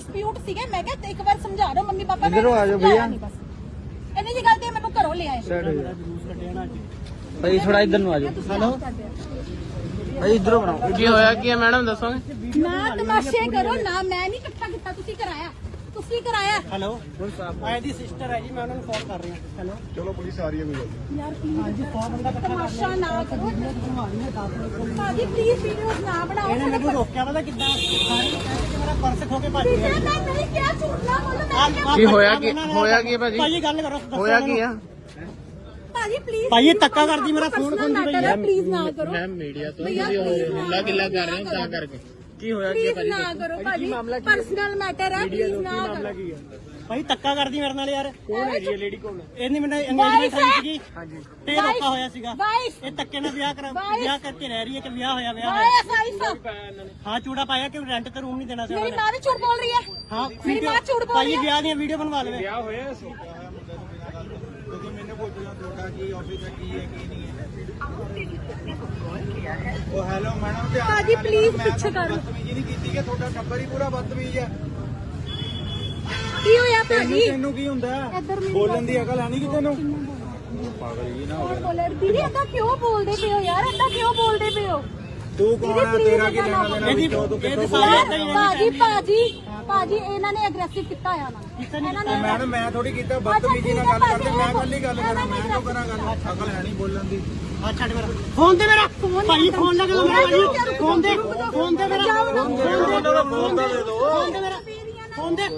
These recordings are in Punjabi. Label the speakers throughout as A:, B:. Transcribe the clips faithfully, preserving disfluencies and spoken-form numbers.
A: ਡਿਸਪਿਊਟ ਸੀਗੇ। ਮੈਂ ਕਿਹਾ ਇੱਕ ਵਾਰ ਸਮਝਾ ਦਿਓ ਮੰਮੀ ਪਾਪਾ
B: ਇਧਰੋਂ ਆ ਜਾਓ ਭਈਆ।
A: ਇੰਨੀ ਜੀ ਗੱਲ ਤੇ ਮੈਨੂੰ ਘਰੋਂ ਲੈ ਆਏ।
B: ਭਾਈ ਥੋੜਾ ਇਧਰ ਨੂੰ ਆ ਜਾਓ। ਹੈਲੋ ਭਾਈ ਇਧਰੋਂ ਬਣਾਓ।
C: ਕੀ ਹੋਇਆ ਕੀ ਹੈ ਮੈਡਮ ਦੱਸੋਗੇ?
A: ਨਾ ਤਮਾਸ਼ੇ ਕਰੋ ਨਾ, ਮੈਂ ਨਹੀਂ ਇਕੱਠਾ ਕੀਤਾ, ਤੁਸੀਂ ਕਰਾਇਆ ਤੁਸੀਂ ਕਰਾਇਆ।
D: ਹੈਲੋ ਆਏ ਦੀ ਸਿਸਟਰ ਹੈ ਜੀ, ਮੈਂ ਉਹਨਾਂ ਨੂੰ ਫੋਨ ਕਰ ਰਹੀ ਹਾਂ। ਹੈਲੋ ਚਲੋ ਪੁਲਿਸ ਆ ਰਹੀ ਹੈ। ਕੋਈ
A: ਯਾਰ ਪਲੀਜ਼
D: ਹਾਂਜੀ ਸੌ ਬੰਦਾ ਇਕੱਠਾ
A: ਤਮਾਸ਼ਾ ਨਾ ਕਰੋ ਭਾਜੀ, ਪਲੀਜ਼ ਵੀਡੀਓਜ਼ ਨਾ ਬਣਾਓ।
D: ਇਹਨੇ ਮੈਨੂੰ ਰੋਕਿਆ ਪਤਾ ਕਿੱਦਾਂ, ਮੇਰਾ ਪਰਸ ਖੋ ਕੇ ਭੱਜ ਗਿਆ।
A: ਮੈਂ ਨਹੀਂ ਕਿਹਾ, ਝੂਠ ਨਾ ਬੋਲੋ।
C: ਕੀ ਹੋਇਆ ਕੀ ਹੋਇਆ ਕੀ ਭਾਜੀ?
D: ਭਾਜੀ ਗੱਲ ਕਰੋ,
C: ਹੋਇਆ ਕੀ ਆ
A: ਭਾਜੀ ਪਲੀਜ਼
D: ਭਾਜੀ ਧੱਕਾ ਕਰਦੀ, ਮੇਰਾ ਫੋਨ ਖੋਂਦੀ ਪਈ ਹੈ।
A: ਪਲੀਜ਼ ਨਾ ਕਰੋ
C: ਮੈਂ ਮੀਡੀਆ ਤੋਂ ਤੁਸੀਂ ਹੁੱਲਾ ਗਿੱਲਾ ਕਰ ਰਹੇ ਹੋ ਤਾਂ ਕਰਕੇ। ਕੀ ਹੋਇਆ ਕੀ
A: ਪਲੀਜ਼ ਨਾ ਕਰੋ ਭਾਜੀ, ਪਰਸਨਲ ਮੈਟਰ ਹੈ, ਪਲੀਜ਼ ਨਾ ਕਰੋ।
D: ਭਾਈ ਧੱਕਾ ਕਰਦੀ ਮੇਰੇ ਨਾਲ ਯਾਰ। ਕੌਣ ਹੈ ਜੀ ਲੇਡੀ? ਕੌਣ ਹੈ? ਇਹਨੇ ਮੈਨੂੰ ਅੰਗੇਜਮੈਂਟ ਹੋਈ ਸੀਗੀ। ਹਾਂਜੀ ਤੇ ਰੋਕਾ ਹੋਇਆ ਸੀਗਾ। ਇਹ ਧੱਕੇ ਨਾਲ ਵਿਆਹ ਕਰਾ ਵਿਆਹ ਕਰਕੇ ਰਹਿ ਰਹੀ ਹੈ ਕਿ ਵਿਆਹ ਹੋਇਆ ਵਿਆਹ ਹੋਇਆ। ਹਾਂ ਚੂੜਾ ਪਾਇਆ ਕਿ ਰੈਂਟ ਤੇ ਰੂਮ ਨਹੀਂ ਦੇਣਾ ਸੀ।
A: ਮੇਰੀ ਮਾਂ ਵੀ ਝੂਠ ਬੋਲ ਰਹੀ ਹੈ।
D: ਹਾਂ
A: ਮੇਰੀ ਮਾਂ ਝੂਠ ਬੋਲ ਰਹੀ
D: ਭਾਈ
A: ਹੈ।
D: ਵਿਆਹ ਦੀਆਂ ਵੀਡੀਓ ਬਣਵਾ ਲਵੇ।
C: ਵਿਆਹ ਹੋਇਆ ਸੀ।
B: ਤੁਸੀਂ ਮੈਨੂੰ ਪੁੱਛਣਾ ਤੁਹਾਡਾ ਕੀ ਆਫਿਸ ਹੈ, ਕੀ ਹੈ ਕੀ ਨਹੀਂ ਹੈ। ਉਹ ਹੈਲੋ ਮੈਡਮ ਧਿਆਨ ਨਾਲ
A: ਭਾਜੀ, please
B: ਮੈਂ
A: ਪਿੱਛੇ ਕਰ ਲਓ।
B: ਬਦਤਮੀਜ਼ੀ ਨਹੀਂ ਕੀਤੀ ਕਿ ਤੁਹਾਡਾ ਟੱਬਰ ਹੀ ਪੂਰਾ ਬਦਤਮੀਜ਼ ਹੈ।
A: ਕੀ ਹੋਇਆ
B: ਤੈਨੂੰ
A: ਭਾਜੀ?
B: ਤੈਨੂੰ ਕੀ ਹੁੰਦਾ
A: ਇੱਧਰ ਮੇਰੀ
B: ਬੋਲਣ ਦੀ ਅਕਲ ਹੈ ਨਹੀਂ ਕਿ ਤੈਨੂੰ? ਪਾਗਲ ਜੀ ਨਾ
A: ਕੌਣ ਬੋਲੇ? ਦੀਦੀ ਏਦਾਂ ਕਿਉਂ ਬੋਲਦੇ ਪਏ ਹੋ ਯਾਰ? ਏਦਾਂ ਕਿਉਂ ਬੋਲਦੇ ਪਏ ਹੋ?
B: ਤੂੰ ਕੌਣ ਹੈ? ਤੇਰਾ ਕੀ ਲੈਣਾ ਦੇਣਾ
D: ਇਹਦੀ
B: ਵਿੱਚੋਂ? ਤੂੰ ਕਿੱਥੋਂ
D: ਇਹਦੀ
B: ਬੋਲ
D: ਸਾਰੀ
B: ਰਿਹਾ?
D: ਏਦਾਂ ਹੀ
A: ਭਾਜੀ ਭਾਜੀ ਭਾਜੀ ਇਹਨਾਂ ਨੇ ਅਗਰੈਸਿਵ ਕੀਤਾ ਹੋਇਆ ਨਾ। ਇਹਨਾਂ ਨੇ
B: ਮੈਡਮ ਮੈਂ ਥੋੜੀ ਕੀਤਾ ਬਦਤਮੀਜ਼ੀ ਨਾਲ ਗੱਲ ਕਰਦੇ। ਮੈਂ ਕੱਲ ਹੀ ਗੱਲ ਕਰਾਂ, ਮੈਂ ਕਿਉਂ ਕਰਾਂ ਗੱਲ? ਅਕਲ ਹੈ ਨਹੀਂ ਬੋਲਣ ਦੀ।
D: ਆ ਛੱਡ ਮੇਰਾ ਫੋਨ ਦੇ ਮੇਰਾ ਭਾਈ ਫੋਨ ਲੱਗ ਦੋ ਮੇਰਾ ਭਾਈ ਫੋਨ ਦੇ ਫੋਨ ਦੇ ਮੇਰਾ ਫੋਨ ਦੇ ਫੋਨ ਦੇ ਫੋਨ ਦੇ ਮੇਰਾ ਫੋਨ ਦੇ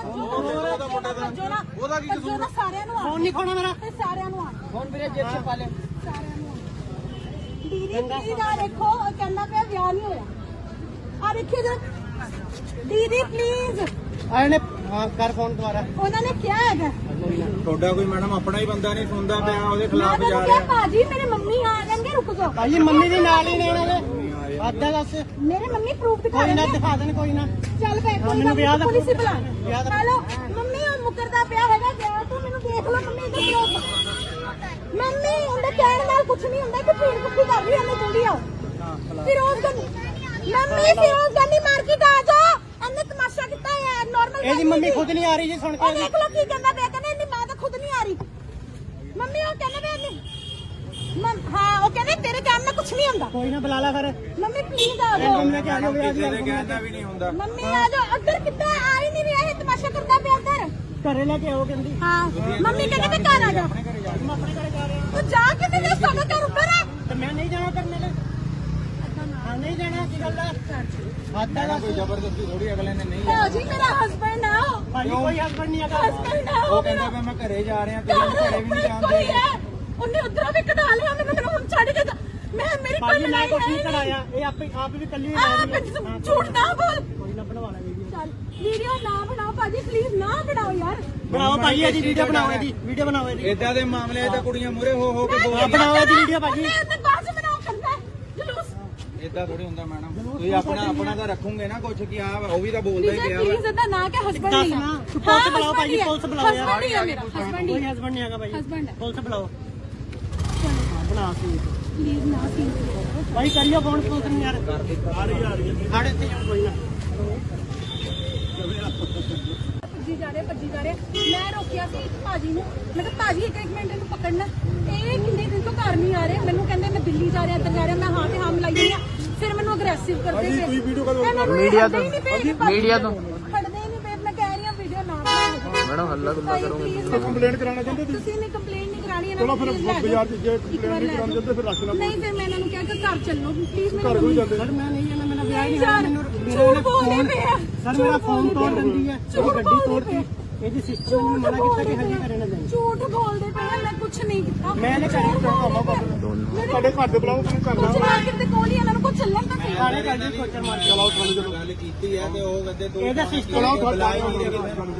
A: ਉਹਦਾ ਕੀ ਕਸੂਰ ਹੈ? ਸਾਰਿਆਂ ਨੂੰ
D: ਫੋਨ ਨਹੀਂ ਖੋਣਾ ਮੇਰਾ
A: ਸਾਰਿਆਂ ਨੂੰ ਆ
D: ਫੋਨ ਵੀਰੇ ਜੇਬ ਚ ਪਾ ਲੈ।
A: ਸਾਰਿਆਂ ਨੂੰ ਦੀਦੀ ਪਲੀਜ਼ ਆ ਦੇਖੋ, ਉਹ ਕਹਿੰਦਾ ਪਿਆ ਵਿਆਹ ਨਹੀਂ ਹੋਇਆ। ਆ ਦੇਖਿਓ ਜਰਾ ਦੀਦੀ ਪਲੀਜ਼।
D: ਆਏ ਨੇ ਹਾਂ ਕਰ ਫੋਨ ਦੁਬਾਰਾ।
A: ਉਹਨਾਂ ਨੇ ਕਿਹਾ ਹੈਗਾ
B: ਤੁਹਾਡਾ ਕੋਈ ਮੈਡਮ ਆਪਣਾ ਹੀ ਬੰਦਾ ਨਹੀਂ ਸੁਣਦਾ ਪਿਆ, ਉਹਦੇ
A: ਮੈਂ
B: ਖਿਲਾਫ
A: ਤਾਂ
B: ਜਾ
A: ਕਿਹਾ
B: ਰਿਹਾ।
A: ਭਾਜੀ ਮੇਰੇ ਮੰਮੀ ਆ ਜਾਣਗੇ, ਰੁਕ ਜਾਓ।
D: ਭਾਈ ਮੰਮੀ ਦੇ ਨਾਲ ਹੀ ਨੇ ਇਹਨਾਂ ਦੇ ਆਦਾ ਦੱਸ
A: ਮੇਰੇ ਮੰਮੀ ਪ੍ਰੂਫ ਦਿਖਾ
D: ਕੋਈ ਨਾ
A: ਦੇਣਗੇ।
D: ਦਿਖਾ ਦੇਣ ਕੋਈ ਨਾ।
A: ਚੱਲ ਬੈ ਕੋਈ
D: ਮੈਨੂੰ ਵਿਆਹ
A: ਨਾ,
D: ਦਾ
A: ਪੁਲਿਸ ਹੀ ਬੁਲਾ।
D: ਵਿਆਹ ਦਾ-
A: ਹੈਲੋ ਮੰਮੀ, ਉਹ ਮੁਕਰਦਾ ਪਿਆ ਹੈਗਾ ਵਿਆਹ ਤੋਂ, ਮੈਨੂੰ ਦੇਖ ਲਓ ਮੰਮੀ ਇੱਧਰ ਲੋ। ਮੰਮੀ ਉਹਦੇ ਕਹਿਣ ਨਾਲ ਕੁਝ ਨਹੀਂ ਹੁੰਦਾ ਕਿ ਭੀੜ ਕੁੱਤੀ ਕਰ ਰਹੀ ਹੈ, ਇਹਨੇ ਜਲਦੀ ਆਓ। ਫਿਰੋਜ਼ ਗੰਦੀ ਮੰਮੀ, ਫਿਰੋਜ਼ ਗੰਦੀ ਮਾਰਕੀਟ ਆ ਜਾਓ। ਇਹਨੇ ਤਮਾਸ਼ਾ ਕੀਤਾ ਹੈ ਨਾਰਮਲ।
D: ਇਹਦੀ ਮੰਮੀ ਖੁਦ ਨਹੀਂ ਆ ਰਹੀ ਜੀ ਸੁਣ
A: ਉਹ
D: ਕੇ।
A: ਦੇਖ ਲਓ ਕੀ ਕਹਿੰਦਾ ਪਿਆ, ਕਹਿੰਦਾ ਇਹਦੀ ਮਾਂ ਤਾਂ ਖੁਦ ਨਹੀਂ ਆ ਰਹੀ। ਮੰਮੀ ਉਹ ਕਹਿੰਦਾ ਪਿਆ ਨਹੀਂ ਹਾਂ, ਉਹ ਕਹਿੰਦੇ ਤੇਰੇ ਕਹਿਣ ਨਾਲ ਕੁਝ ਨਹੀਂ ਹੁੰਦਾ।
D: ਕੋਈ ਨਾ ਬੁਲਾ ਲੈ ਫਿਰ।
A: ਮੰਮੀ ਪਲੀਜ਼ ਆ ਜਾਓ।
D: ਮੰਮੀ ਕਿ ਆ ਜਾਓ ਵਿਆਹ ਦੀ
B: ਕਿਸੇ ਦੇ ਕਹਿੰਦਾ ਵੀ ਨਹੀਂ ਹੁੰਦਾ।
A: ਮੰਮੀ ਆ ਜਾਓ। ਅੱਧਰ ਕਿੱਦਾਂ ਆ ਹੀ ਨਹੀਂ ਰਿਹਾ, ਇਹ ਤਮਾਸ਼ਾ ਕਰਦਾ ਪਿਆ ਅੱਧਰ।
D: ਘਰੇ ਲੈ ਕੇ ਆਓ ਕਹਿੰਦੀ।
A: ਹਾਂ ਮੰਮੀ ਕਹਿੰਦੀ ਮੈਂ ਘਰ ਆ ਜਾ।
D: ਮੈਂ ਆਪਣੇ ਘਰੇ ਜਾ ਰਿਹਾ
A: ਤੂੰ ਜਾ ਕਿਤੇ ਜਾ, ਸਾਡਾ ਘਰ ਉੱਪਰ ਹੈ।
D: ਤੇ ਮੈਂ ਨਹੀਂ ਜਾਣਾ ਕਰਨੇ ਲੈ। ਹਾਂ ਨਹੀਂ ਜਾਣਾ ਕੀ ਗੱਲ ਹੈ? ਆਦਾ ਦੱਸ
B: ਕੋਈ ਜ਼ਬਰਦਸਤੀ ਥੋੜੀ ਅਗਲੇ ਨੇ ਨਹੀਂ
A: ਭਾਜੀ ਮੇਰਾ ਹਸਬੰਡ ਆ।
D: ਭਾਈ ਕੋਈ ਹਸਬੰਡ ਨਹੀਂ ਹੈਗਾ।
A: ਹਸਬੰਡ ਆ
B: ਉਹ ਕਹਿੰਦਾ ਪਿਆ ਮੈਂ ਘਰੇ ਜਾ ਰਿਹਾ, ਤੁਸੀਂ ਘਰੇ ਵੀ ਨਹੀਂ ਜਾਂਦੇ।
A: ਕੋਈ ਹੈ, ਉਹਨੇ ਉਧਰੋਂ ਵੀ ਕਢਾ ਲਿਆ ਮੈਨੂੰ, ਮੈਨੂੰ ਹੁਣ ਛੱਡ ਕੇ ਜਾ। ਮੈਂ ਮੇਰੀ ਕੋਈ
D: ਭਾਈ ਮੈਂ
A: ਲੜਾਈ
D: ਕੁਛ ਨਹੀਂ
A: ਨਹੀਂ
D: ਕਰਾਇਆ, ਇਹ ਆਪੇ ਆਪ ਵੀ ਕੱਲੀ
A: ਆ ਝੂਠ ਨਾ ਬੋਲ।
D: ਕੋਈ ਨਾ ਬਣਵਾ ਲੈ ਵੀਡੀਓ।
A: ਚੱਲ ਵੀਡੀਓ ਨਾ ਬਣਾਓ ਭਾਜੀ, ਪਲੀਜ਼ ਨਾ ਬਣਾਓ ਯਾਰ।
D: ਬਣਾਓ ਭਾਈ ਇਹਦੀ ਵੀਡੀਓ ਬਣਾਓ, ਇਹਦੀ ਵੀਡੀਓ ਬਣਾਓ ਇਹਦੀ।
B: ਏਦਾਂ ਦੇ ਮਾਮਲੇ ਤਾਂ ਕੁੜੀਆਂ ਮੂਰੇ ਹੋ ਹੋ ਕੇ
D: ਆਹ
B: ਬੋਲਦੀਆਂ।
D: ਬਣਾਓ ਇਹਦੀ ਵੀਡੀਓ ਭਾਜੀ।
A: ਮੈਂ ਤੇ ਬਾਅਦ ਚ ਬਣਾਓ ਕਰਨਾ ਹੈ, ਜਲੂਸ।
B: ਏਦਾਂ ਥੋੜੀ ਹੁੰਦਾ ਮੈਡਮ, ਤੁਸੀਂ ਆਪਣਾ ਆਪਣਾ ਤਾਂ ਰੱਖੋਗੇ ਨਾ ਕੁਝ ਕਿ ਆ ਉਹ ਵੀ ਤਾਂ ਬੋਲਦਾ ਹੀ ਪਿਆ ਵਾ।
A: ਪਲੀਜ਼ ਇਹਦਾ ਨਾ ਕਿ ਹਸਬੰਡ
D: ਦੱਸ
A: ਨਹੀਂ ਆ।
D: ਨਾ ਤੂੰ ਪੁਲਿਸ ਬੁਲਾਓ ਭਾਜੀ, ਪੁਲਿਸ ਬੁਲਾਓ ਯਾਰ।
A: ਹਸਬੰਡ ਹੀ ਆ ਮੇਰਾ, ਹਸਬੰਡ
D: ਕੋਈ
A: ਹੀ।
D: ਹਸਬੰਡ ਨਹੀਂ ਹੈਗਾ ਭਾਈ।
A: ਹਸਬੰਡ ਹੈ।
D: ਪੁਲਿਸ ਬੁਲਾਓ। ਹਾਂ ਬਣਾ ਸੀ
A: ਪਲੀਜ਼ ਨਾ ਸੀ।
D: ਭਾਈ ਕਰਿਓ ਫੋਨ ਪੁਲਿਸ ਨੂੰ ਯਾਰ। ਆ ਰਹੀ ਆ ਰਹੀ ਹੈ ਸਾਡੇ ਇੱਥੇ ਕੋਈ ਨਾ।
A: ਭੱਜੀ ਜਾ ਰਹੇ ਭੱਜੀ ਜਾ ਰਹੇ। ਮੈਂ ਰੋਕਿਆ ਸੀ ਭਾਜੀ ਨੂੰ, ਮੈਂ ਕਿਹਾ ਭਾਜੀ ਇੱਕ ਇੱਕ ਮਿੰਟ ਇਹਨੂੰ ਪਕੜਨਾ। ਇਹ ਕਿੰਨੇ ਦਿਨ ਤੋਂ ਘਰ ਨਹੀਂ ਆ ਰਹੇ, ਮੈਨੂੰ ਕਹਿੰਦੇ ਮੈਂ ਦਿੱਲੀ ਜਾ ਰਿਹਾ, ਇੱਧਰ ਜਾ ਰਿਹਾ। ਮੈਂ ਹਾਂ ਤੇ ਹਾਂ ਮਿਲਾਈ ਜਾਂਦੀ ਆ, ਫਿਰ ਮੈਨੂੰ ਅਗਰੈਸਿਵ ਕਰਦੇ ਪਏ।
C: ਮੀਡੀਆ ਤੋਂ ਮੀਡੀਆ ਤੋਂ
A: ਖੜਦੇ ਹੀ ਨਹੀਂ ਪਏ। ਮੈਂ ਕਹਿ ਰਹੀ ਹਾਂ ਵੀਡੀਓ ਨਾ ਬਣਾਓ।
C: ਮੈਡਮ ਹੱਲਾ ਗੁੱਲਾ ਕਰੋਗੇ।
E: ਕੰਪਲੇਂਟ ਕਰਾਉਣਾ ਚਾਹੁੰਦੇ ਤੁਸੀਂ?
A: ਤੁਸੀਂ ਨੇ ਕੰਪਲੇਂਟ ਨਹੀਂ ਕਰਾਣੀ ਇਹਨਾਂ
E: ਚਲੋ
A: ਨੂੰ,
E: ਫਿਰ
A: please ਲੈ ਜਾਓ।
E: ਬਾਜ਼ਾਰ 'ਚ ਜੇ ਕੰਪਲੇਂਟ ਨਹੀਂ ਕਰਾਉਣੀ ਚਾਹੁੰਦੇ ਫਿਰ ਰੱਖ ਲੈਣਾ।
A: ਨਹੀਂ ਫਿਰ ਮੈਂ ਇਹਨਾਂ ਨੂੰ ਕਿਹਾ ਕਿ ਘਰ ਚੱਲੋ ਪਲੀਜ਼।
E: ਘਰ ਕੋਈ ਜਾਂਦੇ
D: ਸਰ ਮੈਂ ਨਹੀਂ ਜਾਣਾ, ਮੇਰਾ ਵਿਆਹ ਨਹੀਂ
A: ਯਾਰ,
D: ਹੋਇਆ। ਮੈਨੂੰ
A: ਝੂਠ ਬੋਲਦੇ ਪਏ ਆ।
D: ਸਰ ਮੇਰਾ ਫੋਨ ਤੋੜ ਦਿੰਦੀ ਹੈ, ਉਹ ਗੱਡੀ ਤੋੜਤੀ। ਇਹਦੀ ਸਿਸਟਰ ਨੇ ਮਨਾ ਕੀਤਾ ਕਿ ਹਜੇ ਘਰੇ ਨਾ ਜਾਈਂ।
A: ਝੂਠ ਬੋਲਦੇ ਪਏ ਆ, ਮੈਂ ਕੁਝ ਨਹੀਂ ਕੀਤਾ।
D: ਮੈਂ ਨੇ ਕਰਿਆ
E: ਤੁਹਾਡੇ ਘਰ ਦੇ ਬੁਲਾਓ, ਤੁਸੀਂ ਘਰ
A: ਕੁਝ ਮਾਰਕੀਟ ਦੇ ਕੋਲ ਹੀ ਇਹਨਾਂ ਨੂੰ ਕੁਝ ਚੱਲਣ ਤਾਂ ਸਹੀ।
D: ਥਾਣੇ ਕਰ ਦੀ ਕੋਚਰ ਮਾਰ ਕੇ
B: ਚਲਾਓ ਥਾਣੇ ਚਲੋ। ਗੱਲ ਕੀਤੀ ਹੈ ਤੇ ਉਹ ਕਹਿੰਦੇ ਤੂੰ
D: ਇਹਦਾ ਸਿਸਟਰ
B: ਚਲਾਓ
E: ਤੁਹਾਡੇ
B: ਬੁਲਾਏ
E: ਘਰ
B: ਹੋਣਗੇ
E: ਦੇ
B: ਕਿਤੇ।
E: ਬੁਲਾਓ।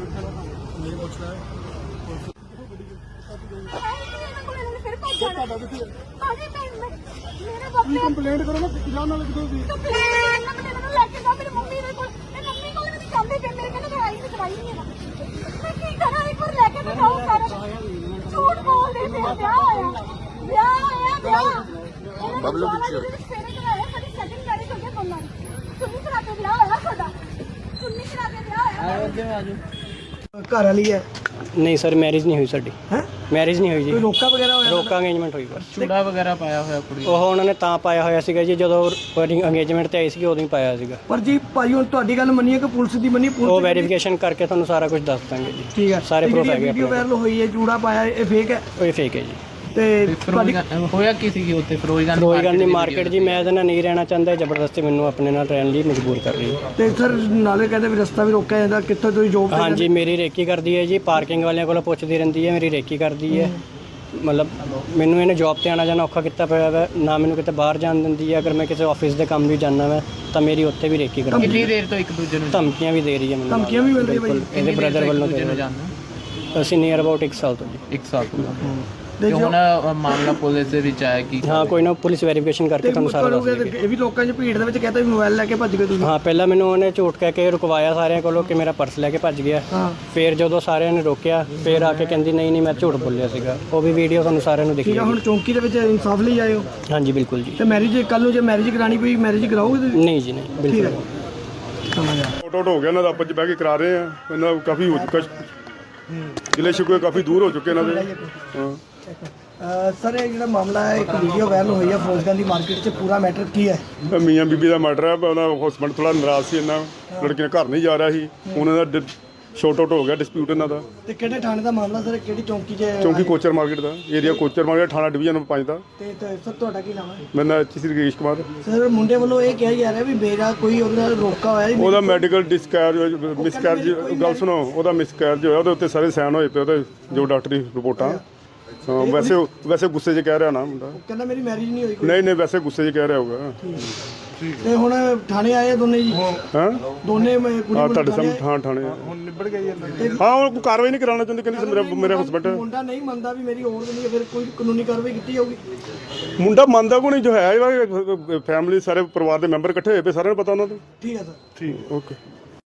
A: ਫਿਰ ਭੱਜ ਜਾਣਾ।
E: ਤੁਹਾਡਾ ਕਿੱਥੇ ਹੈ?
A: ਭਾਜੀ ਮੈਂ ਮੈਂ- ਮੇਰੇ
E: ਤੁਸੀਂ
A: ਬਾਪੇ
E: ਕੰਪਲੇਂਟ ਕਰੋ ਨਾ, ਜਾਣ ਨਾਲ ਕਿਦੋਂ ਦੀ
A: ਕੰਪਲੇਂਟ ਕਰਨਾ, ਮੈਨੂੰ ਲੈ ਕੇ ਜਾ ਮੇਰੀ ਮੰਮੀ ਦੇ ਕੋਲ। ਇਹ ਮੰਮੀ ਕੋਲ ਵੀ ਨਹੀਂ ਜਾਂਦੇ ਪਏ, ਮੇਰੇ ਕਹਿੰਦੇ ਦਵਾਈ ਨਹੀਂ ਦਵਾਈ ਨਹੀਂ ਹੈ। ਮੈਂ ਕੀ ਕਰਾਂ, ਇੱਕ ਵਾਰ ਲੈ ਕੇ ਤਾਂ ਜਾਓ ਸਾਰਾ। ਝੂਠ ਬੋਲਦੇ ਪਏ ਆ, ਵਿਆਹ ਹੋਇਆ ਵਿਆਹ ਹੋਇਆ ਵਿਆਹ। ਬਬਲੂ ਪਿੱਛੇ ਸਵੇਰੇ ਕਰਾਇਆ, ਸਾਡੀ ਸੈਕਿੰਡ ਮੈਰਿਜ ਹੋ ਗਈ ਦੋਨਾਂ ਦੀ। ਚੁੰਨੀ ਕਰਾ ਕੇ ਵਿਆਹ ਹੋਇਆ ਸਾਡਾ, ਚੁੰਨੀ ਕਰਾ ਕੇ ਵਿਆਹ ਹੋਇਆ।
F: ਘਰ ਵਾਲੀ ਹੈ
D: ਨਹੀਂ ਸਰ ਮੈਰਿਜ ਨਹੀਂ ਹੋਈ ਸਾਡੀ
F: ਹੈ
D: ਮੈਰਿਜ ਨਹੀਂ ਹੋਈ ਜੀ
F: ਕੋਈ ਰੋਕਾ ਵਗੈਰਾ ਹੋਇਆ
D: ਰੋਕਾ ਅੰਗੇਜਮੈਂਟ ਹੋਈ ਬਸ
C: ਚੂੜਾ ਵਗੈਰਾ ਪਾਇਆ ਹੋਇਆ ਕੁੜੀ
D: ਉਹ ਉਹਨਾਂ ਨੇ ਤਾਂ ਪਾਇਆ ਹੋਇਆ ਸੀਗਾ ਜੀ ਜਦੋਂ ਅੰਗੇਜਮੈਂਟ ਤੇ ਆਈ ਸੀ ਉਦੋਂ ਹੀ ਪਾਇਆ ਸੀਗਾ
F: ਪਰ ਜੀ ਭਾਈ ਹੁਣ ਤੁਹਾਡੀ ਗੱਲ ਮੰਨੀਏ ਕਿ ਪੁਲਿਸ ਦੀ ਮੰਨੀ ਪੁਲਿਸ
D: ਉਹ ਵੈਰੀਫਿਕੇਸ਼ਨ ਕਰਕੇ ਤੁਹਾਨੂੰ ਸਾਰਾ ਕੁਝ ਦੱਸ ਦਾਂਗੇ ਜੀ
F: ਠੀਕ ਹੈ
D: ਸਾਰੇ proof ਹੈਗੇ
F: ਵੀਡੀਓ
D: ਆਪਣੇ
F: ਵਾਇਰਲ ਹੋਈ ਹੈ ਜੂੜਾ ਪਾਇਆ ਇਹ ਫੇਕ ਹੈ
D: ਉਹ ਫੇਕ ਹੈ ਜੀ
F: ਤੇ ਤੁਹਾਡੀ
C: ਹੋਇਆ ਕੀ ਸੀ ਉੱਥੇ ਫਿਰੋਜ਼ਗਾਰ
D: ਕੋਈ ਗੱਲ ਨਹੀਂ ਮਾਰਕੀਟ ਜੀ ਮੈਂ ਇਹਦੇ ਨਾਲ ਨਹੀਂ ਰਹਿਣਾ ਚਾਹੁੰਦਾ ਜ਼ਬਰਦਸਤੀ ਮੈਨੂੰ ਆਪਣੇ ਨਾਲ ਰਹਿਣ ਲਈ ਮਜਬੂਰ ਕਰ ਰਹੀ ਹੈ
F: ਤੇ ਸਰ ਨਾਲੇ ਕਹਿੰਦੇ ਵੀ ਰਸਤਾ ਵੀ ਰੋਕਿਆ ਜਾਂਦਾ ਕਿੱਥੋਂ ਤੁਸੀਂ ਜੋਬ ਤੇ
D: ਹਾਂਜੀ ਮੇਰੀ ਰੇਕੀ ਕਰਦੀ ਹੈ ਜੀ ਪਾਰਕਿੰਗ ਵਾਲਿਆਂ ਕੋਲੋਂ ਪੁੱਛਦੀ ਰਹਿੰਦੀ ਹੈ ਮੇਰੀ ਰੇਕੀ ਕਰਦੀ ਹੈ ਮਤਲਬ ਮੈਨੂੰ ਇਹਨੇ ਜੌਬ ਤੇ ਆਣਾ ਜਾਣਾ ਔਖਾ ਕੀਤਾ ਪਿਆ ਹੈ ਨਾ ਮੈਨੂੰ ਕਿਤੇ ਬਾਹਰ ਜਾਣ ਦਿੰਦੀ ਹੈ ਅਗਰ ਮੈਂ ਕਿਸੇ ਆਫਿਸ ਦੇ ਕੰਮ ਵੀ ਜਾਣਾ ਮੈਂ ਤਾਂ ਮੇਰੀ ਉੱਥੇ ਵੀ ਰੇਕੀ ਕਰਦੀ
C: ਕਿੰਨੀ ਦੇਰ ਤੋਂ ਇੱਕ ਦੂਜੇ ਨੂੰ
D: ਧਮਕੀਆਂ ਵੀ ਦੇ ਰਹੀ ਹੈ ਮੈਨੂੰ
F: ਧਮਕੀਆਂ ਵੀ ਮਿਲ ਰਹੀਆਂ ਬਾਈ
D: ਇਹਦੇ ਬ੍ਰਦਰ ਵੱਲੋਂ
C: ਦੂਜੇ ਨੂੰ
D: ਦੇ
C: ਜਾਣਦੇ
D: ਅਸੀਂ ਨੀਅਰ ਅਬਾਊਟ ਇੱਕ ਸਾਲ ਤੋਂ ਜੀ
C: ਇੱਕ ਸਾਲ ਤੋਂ
F: ਤੇ
C: ਤੇ ਹੁਣ ਮਾਮਲਾ ਪੁਲਿਸ ਦੇ ਵਿੱਚ ਆਇਆ ਕਿ
D: ਹਾਂ ਕੋਈ ਨਾ ਪੁਲਿਸ ਵੈਰੀਫਿਕੇਸ਼ਨ ਕਰਕੇ ਤੁਹਾਨੂੰ ਸਾਰਾ ਦੱਸ ਦੇਗੀ
F: ਇਹ ਵੀ ਲੋਕਾਂ 'ਚ ਭੀੜ ਦੇ ਵਿੱਚ ਕਹਿੰਦਾ ਵੀ ਮੋਬਾਈਲ ਲੈ ਕੇ ਭੱਜ ਗਏ ਤੁਸੀਂ
D: ਹਾਂ ਪਹਿਲਾਂ ਮੈਨੂੰ ਉਹਨੇ ਝੂਠ ਕਹਿ ਕੇ ਰੁਕਵਾਇਆ ਸਾਰਿਆਂ ਕੋਲੋਂ ਕਿ ਮੇਰਾ ਪਰਸ ਲੈ ਕੇ ਭੱਜ ਗਿਆ
F: ਹਾਂ
D: ਫਿਰ ਜਦੋਂ ਸਾਰਿਆਂ ਨੇ ਰੋਕਿਆ ਫਿਰ ਆ ਕੇ ਕਹਿੰਦੀ ਨਹੀਂ ਨਹੀਂ ਮੈਂ ਝੂਠ ਬੋਲਿਆ ਸੀਗਾ ਉਹ ਵੀ ਵੀਡੀਓ ਤੁਹਾਨੂੰ ਸਾਰਿਆਂ ਨੂੰ ਦਿਖੀ
F: ਠੀਕ ਆ ਹੁਣ ਚੌਂਕੀ ਦੇ ਵਿੱਚ ਇਨਸਾਫ ਲਈ ਆਏ ਹੋ
D: ਹਾਂਜੀ ਬਿਲਕੁਲ ਜੀ
F: ਤੇ ਮੈਰਿਜ ਕੱਲ ਨੂੰ ਜੇ ਮੈਰਿਜ ਕਰਾਣੀ ਪਈ ਮੈਰਿਜ ਕਰਾਓਗੇ ਤੁਸੀਂ
D: ਨਹੀਂ ਜੀ ਨਹੀਂ ਬਿਲਕੁਲ
F: ਸਮਝ ਆ
E: ਆਊਟ ਆਊਟ ਹੋ ਗਿਆ ਇਹਨਾਂ ਦਾ ਆਪਸ ਚ ਬਹਿ ਕੇ ਕਰਾ ਰਹੇ ਆ ਇਹਨਾਂ ਦਾ ਕਾਫੀ ਹੋ ਚੁੱਕਾ ਜ਼ਿਲ੍ਹੇ ਸ਼ਿਕਵੇ ਕਾਫੀ ਦੂਰ ਹੋ ਚੁੱਕੇ ਇਹਨਾਂ ਦੇ ਹਾਂ
F: ਸਰ ਇਹ ਜਿਹੜਾ ਮਾਮਲਾ ਹੈ ਇੱਕ ਵੀਡੀਓ ਵਾਇਰਲ ਹੋਈ ਹੈ ਫਿਰੋਜ਼ਗਾਰ ਦੀ ਮਾਰਕੀਟ 'ਚ ਪੂਰਾ ਮੈਟਰ ਕੀ ਹੈ
E: ਇਹ ਮੀਆਂ ਬੀਬੀ ਦਾ ਮਰਡਰ ਹੈ ਉਹਨਾਂ ਹਸਬੰਡ ਥੋੜਾ ਨਾਰਾਜ਼ ਸੀ ਇਹਨਾਂ ਲੜਕੀ ਨੇ ਘਰ ਨਹੀਂ ਜਾ ਰਿਹਾ ਸੀ ਉਹਨਾਂ ਦਾ ਸ਼ਾਰਟ ਆਊਟ ਹੋ ਗਿਆ ਡਿਸਪਿਊਟ ਇਹਨਾਂ ਦਾ
F: ਤੇ ਕਿਹੜੇ ਥਾਣੇ ਦਾ ਮਾਮਲਾ ਸਰ ਕਿਹੜੀ ਚੌਂਕੀ 'ਚ
E: ਚੌਂਕੀ ਕੋਚਰ ਮਾਰਕੀਟ ਦਾ ਏਰੀਆ ਕੋਚਰ ਮਾਰਕੀਟ ਥਾਣਾ ਡਿਵੀਜ਼ਨ ਪੰਜ ਦਾ
F: ਤੇ ਤੇ ਸਰ ਤੁਹਾਡਾ ਕੀ ਨਾਮ ਹੈ
E: ਮੇਰਾ ਨਾਮ H C Ragesh Kumar
F: sir ਮੁੰਡੇ ਵੱਲੋਂ ਇਹ ਕਿਹਾ ਜਾ ਰਿਹਾ ਵੀ ਮੇਰਾ ਕੋਈ ਉਹਦੇ ਨਾਲ ਰੋਕਾ ਹੋਇਆ ਜੀ
E: ਉਹਦਾ ਮੈਡੀਕਲ ਡਿਸਕੈਰਜ ਮਿਸਕੈਰਜ ਗੱਲ ਸੁਣੋ ਉਹਦਾ ਮਿਸਕੈਰਜ ਹੋਇਆ ਉਹਦੇ ਉੱਤੇ ਸਾਰੇ ਸਾਈਨ ਹੋਏ ਪਏ ਉਹਦੇ ਜੋ ਡਾਕਟਰੀ ਰਿਪੋਰਟਾਂ ਹਾਂ ਵੈਸੇ ਵੈਸੇ ਗੁੱਸੇ 'ਚ ਕਹਿ ਰਿਹਾ ਨਾ ਮੁੰਡਾ
F: ਕਹਿੰਦਾ ਮੇਰੀ ਮੈਰਿਜ ਨਹੀਂ ਹੋਈ ਕੋਈ
E: ਨਹੀਂ ਨਹੀਂ ਵੈਸੇ ਗੁੱਸੇ 'ਚ ਕਹਿ ਰਿਹਾ ਹੋਊਗਾ
F: ਤੇ ਹੁਣ ਥਾਣੇ ਆਏ ਆ ਦੋਨੇ ਜੀ
E: ਹਾਂ
F: ਦੋਨੇ ਮੈਂ ਕੁੜੀ
E: ਹਾਂ
F: ਮੁੰਡਾ
E: ਤੁਹਾਡੇ
F: ਥਾਣੇ
E: ਸਾਹਮਣੇ ਹਾਂ ਥਾਣੇ ਹੁਣ ਨਿਬੜ ਗਈ ਹਾਂ ਉਹ ਕੋਈ ਕਾਰਵਾਈ ਨਹੀਂ ਕਰਾਉਣਾ ਚਾਹੁੰਦੇ ਕਹਿੰਦੇ ਮੇਰੇ ਮੇਰੇ ਹਸਬੰਡ
F: ਮੁੰਡਾ ਨਹੀਂ ਮੰਨਦਾ ਵੀ ਮੇਰੀ ਹੋਰ ਨਹੀਂ ਹੈ, ਫਿਰ ਕੋਈ ਕਾਨੂੰਨੀ ਕਾਰਵਾਈ ਕੀਤੀ ਜਾਊਗੀ
E: ਮੁੰਡਾ ਮੰਨਦਾ ਕੋ ਨਹੀਂ ਜੋ ਹੈ ਫੈਮਿਲੀ ਸਾਰੇ ਪਰਿਵਾਰ ਦੇ ਮੈਂਬਰ ਇਕੱਠੇ ਹੋਏ ਪਏ ਸਾਰਿਆਂ ਨੂੰ ਪਤਾ ਉਹਨਾਂ ਤੋਂ
F: ਠੀਕ ਹੈ ਸਰ
E: ਠੀਕ ਓਕੇ